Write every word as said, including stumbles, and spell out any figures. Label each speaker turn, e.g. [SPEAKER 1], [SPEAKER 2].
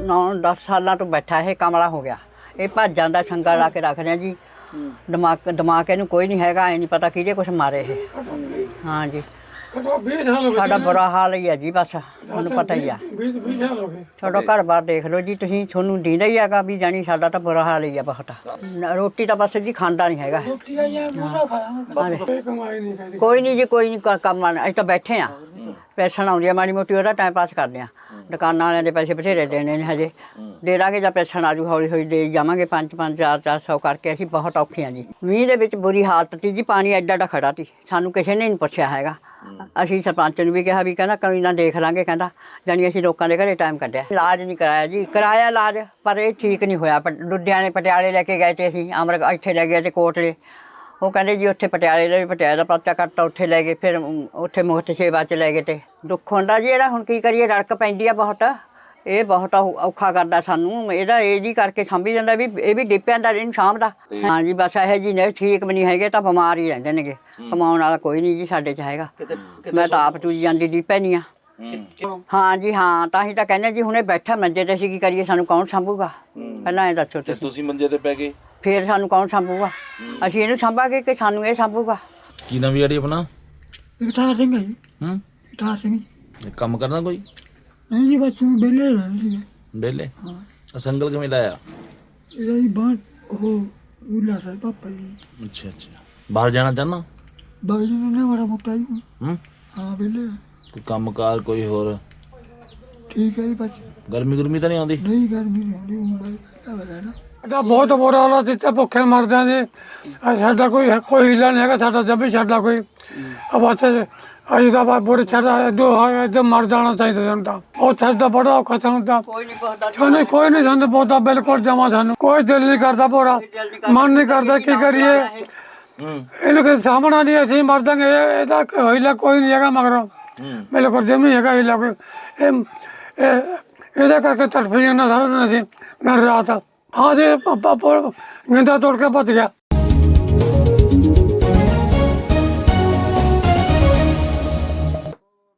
[SPEAKER 1] नौ दस साल तो बैठा है, कमला हो गया। ये भज जाता, संगा ला के रख रहे जी। दिमाग दिमाग इनू कोई नहीं हैगा, नहीं पता किहदे कुछ मारे है। हाँ जी, साडा बुरा हाल ही है जी, बस तुहानूं पता ही है। साडा घर बार देख लो जी तुसीं, तुहानूं दींदा ही हैगा भी जानी साडा तो बुरा हाल ही है बहुत। रोटी तो बस जी खांदा नहीं हैगा। कोई नहीं जी, कोई नहीं कम असीं तां बैठे हाँ, पैसन आउंदी है माड़ी मोटी, ਉਹਦਾ टाइम पास करदे हाँ। दुकानां वालिਆਂ ਦੇ पैसे बथेरे देने ने हजे, दे ਦਾਂਗੇ ਜਾਂ ਪੈਸਨ ਆਜੂ ਹੌਲੀ ਹੌਲੀ ਦੇ ਜਾਵਾਂਗੇ। ਪੰਜ ਪੰਜ ਚਾਰ ਚਾਰ ਸੌ ਕਰਕੇ ਅਸੀਂ ਬਹੁਤ ਔਖੇ ਹਾਂ ਜੀ। ਮੀਂਹ ਦੇ ਵਿੱਚ ਬੁਰੀ ਹਾਲਤ ਸੀ ਜੀ, ਪਾਣੀ ਐਡਾ ਐਡਾ ਖੜਾ ਸੀ, ਸਾਨੂੰ ਕਿਸੇ ਨੇ ਨਹੀਂ ਪੁੱਛਿਆ ਹੈਗਾ। ਅਸੀਂ ਸਰਪੰਚ ਨੂੰ ਵੀ ਕਿਹਾ ਵੀ ਕਹਿੰਦਾ ਕੋਈ ਨਾ ਦੇਖ ਲਾਂਗੇ, ਕਹਿੰਦਾ ਜਾਣੀ ਅਸੀਂ ਲੋਕਾਂ ਦੇ ਘਰੇ ਟਾਈਮ ਕੱਢਿਆ। ਇਲਾਜ ਨਹੀਂ ਕਰਾਇਆ ਜੀ, ਕਰਾਇਆ ਇਲਾਜ ਪਰ ਇਹ ਠੀਕ ਨਹੀਂ ਹੋਇਆ। ਲੁਧਿਆਣੇ ਪਟਿਆਲੇ ਲੈ ਕੇ ਗਏ ਤੇ ਅਸੀਂ, ਅਮਰ ਇੱਥੇ ਲੈ ਗਏ ਤੇ ਕੋਟਲੇ, ਉਹ ਕਹਿੰਦੇ ਜੀ ਉੱਥੇ ਪਟਿਆਲੇ ਦਾ ਵੀ ਪਟਿਆਲੇ ਦਾ ਪਰਚਾ ਕੱਟਤਾ, ਉੱਥੇ ਲੈ ਗਏ। ਫਿਰ ਉੱਥੇ ਮੁਫਤ ਸੇਵਾ 'ਚ ਲੈ ਗਏ ਤੇ ਦੁੱਖ ਹੁੰਦਾ ਜੀ ਇਹਦਾ। ਹੁਣ ਕੀ ਕਰੀਏ, ਰੜਕ ਪੈਂਦੀ ਆ ਬਹੁਤ, ਇਹ ਬਹੁਤ ਔਖਾ ਕਰਦਾ ਸਾਨੂੰ। ਇਹਦਾ ਇਹ ਜੀ ਕਰਕੇ ਸਾਂਭੀ ਜਾਂਦਾ ਵੀ ਇਹ ਵੀ ਡਿੱਪਿਆਂ ਦਾ ਇਹਨੂੰ ਸਾਂਭਦਾ। ਹਾਂ ਜੀ, ਬਸ ਇਹੋ ਜੀ ਨੇ, ਠੀਕ ਵੀ ਨਹੀਂ ਹੈਗੇ ਤਾਂ ਬਿਮਾਰ ਹੀ ਰਹਿੰਦੇ ਨੇਗੇ। ਕਮਾਉਣ ਵਾਲਾ ਕੋਈ ਨਹੀਂ ਜੀ ਸਾਡੇ 'ਚ ਹੈਗਾ। ਮੈਂ ਤਾਂ ਆਪ ਚੂਜੀ ਜਾਂਦੀ ਡਿੱਪੇ ਨਹੀਂ ਆ। ਹਾਂ ਜੀ ਹਾਂ, ਤਾਂ ਹੀ ਤਾਂ ਕਹਿੰਦੇ ਜੀ ਹੁਣੇ ਬੈਠਾ ਮੰਜੇ ਤੇ, ਅਸੀਂ ਕੀ ਕਰੀਏ, ਸਾਨੂੰ ਕੌਣ ਸਾਂਭੂਗਾ ਪਹਿਲਾਂ ਇਹ ਦੱਸੋ।
[SPEAKER 2] ਤੇ ਤੁਸੀਂ ਮੰਜੇ ਤੇ ਪੈ ਗਏ,
[SPEAKER 1] ਫਿਰ ਸਾਨੂੰ ਕੌਣ ਸਾਂਭੂਗਾ? ਅਸੀਂ ਇਹਨੂੰ ਸਾਂਭਾਂਗੇ ਕਿ ਸਾਨੂੰ ਇਹ ਸਾਂਭੂਗਾ?
[SPEAKER 2] ਕੀ ਨਾਮ ਯਾਰੀ ਆਪਣਾ?
[SPEAKER 3] ਇਕਤਾਰ ਸਿੰਘ ਹੈ ਜੀ।
[SPEAKER 2] ਹੂੰ,
[SPEAKER 3] ਇਕਤਾਰ ਸਿੰਘ ਜੀ।
[SPEAKER 2] ਕੰਮ ਕਰਨਾ ਕੋਈ?
[SPEAKER 3] ਨਹੀਂ ਜੀ, ਬਸ ਵਿਹਲੇ ਰਹਿੰਦੇ ਜੀ।
[SPEAKER 2] ਵਿਹਲੇ?
[SPEAKER 3] ਹਾਂ।
[SPEAKER 2] ਸੰਗਲ ਕਿਵੇਂ ਲਾਇਆ?
[SPEAKER 3] ਇਹਦਾ ਜੀ ਬਾਹਰ ਉਹ ਉਲਾ ਸਾਹਿਬ ਪਾਪਾ ਜੀ।
[SPEAKER 2] ਅੱਛਾ ਅੱਛਾ, ਬਾਹਰ ਜਾਣਾ ਚਾਹੁੰਦਾ?
[SPEAKER 3] ਬਾਹਰ ਜਾਣਾ ਬੜਾ ਮੋਟਾ ਜੀ।
[SPEAKER 2] ਹੂੰ,
[SPEAKER 3] ਹਾਂ ਵਿਹਲੇ।
[SPEAKER 2] ਕੋਈ ਕੰਮ ਕਾਰ ਕੋਈ ਹੋਰ?
[SPEAKER 3] ਠੀਕ ਹੈ ਜੀ, ਬਸ
[SPEAKER 2] ਗਰਮੀ ਗੁਰਮੀ ਤਾਂ ਨਹੀਂ ਆਉਂਦੀ?
[SPEAKER 3] ਨਹੀਂ ਗਰਮੀ ਨਹੀਂ ਆਉਂਦੀ, ਉਹ ਬਾਈ ਪਹਿਲਾਂ ਨਾ
[SPEAKER 4] ਸਾਡਾ ਬਹੁਤ ਬੁਰਾ ਹਾਲ ਹੈ, ਇੱਥੇ ਭੁੱਖੇ ਮਰਦੇ ਹਾਂ ਜੀ। ਸਾਡਾ ਕੋਈ ਕੋਈ ਹੀਲਾ ਨਹੀਂ ਹੈਗਾ, ਸਾਡਾ ਜਦ ਵੀ ਸਾਡਾ ਕੋਈ ਬਸ ਅਸੀਂ ਤਾਂ ਬਸ ਬੁਰੇ ਸਾਡਾ ਜੋ ਇੱਥੇ ਮਰ ਜਾਣਾ ਚਾਹੀਦਾ ਸਾਨੂੰ ਤਾਂ। ਉਹ ਸਾਡਾ ਬੜਾ ਔਖਾ ਸਾਨੂੰ ਤਾਂ,
[SPEAKER 1] ਕੋਈ ਨਹੀਂ ਪੁੱਛਦਾ,
[SPEAKER 4] ਸਾਨੂੰ ਕੋਈ ਨਹੀਂ ਸਾਨੂੰ ਬਹੁਤਾ ਬਿਲਕੁਲ ਜਮਾ, ਸਾਨੂੰ ਕੋਈ ਦਿਲ ਨਹੀਂ ਕਰਦਾ, ਪੂਰਾ ਮਨ ਨਹੀਂ ਕਰਦਾ ਕੀ ਕਰੀਏ। ਇਹਨੂੰ ਕਿਸੇ ਸਾਹਮਣਾ ਨਹੀਂ, ਅਸੀਂ ਮਰ ਜਾਂਗੇ, ਇਹਦਾ ਹੀਲਾ ਕੋਈ ਨਹੀਂ ਹੈਗਾ ਮਗਰੋਂ, ਬਿਲਕੁਲ ਜਿਵੇਂ ਨਹੀਂ ਹੈਗਾ ਹੀਲਾ ਕੋਈ। ਇਹ ਇਹਦੇ ਕਰਕੇ ਤੜਫੀ ਜਾਂਦਾ ਸਾਰਾ ਦਿਨ ਅਸੀਂ ਦਿਨ ਰਾਤ। ਹਾਂ ਜੀ, ਗੰਦਾ ਤੋੜ ਕੇ ਭੱਜ ਗਿਆ।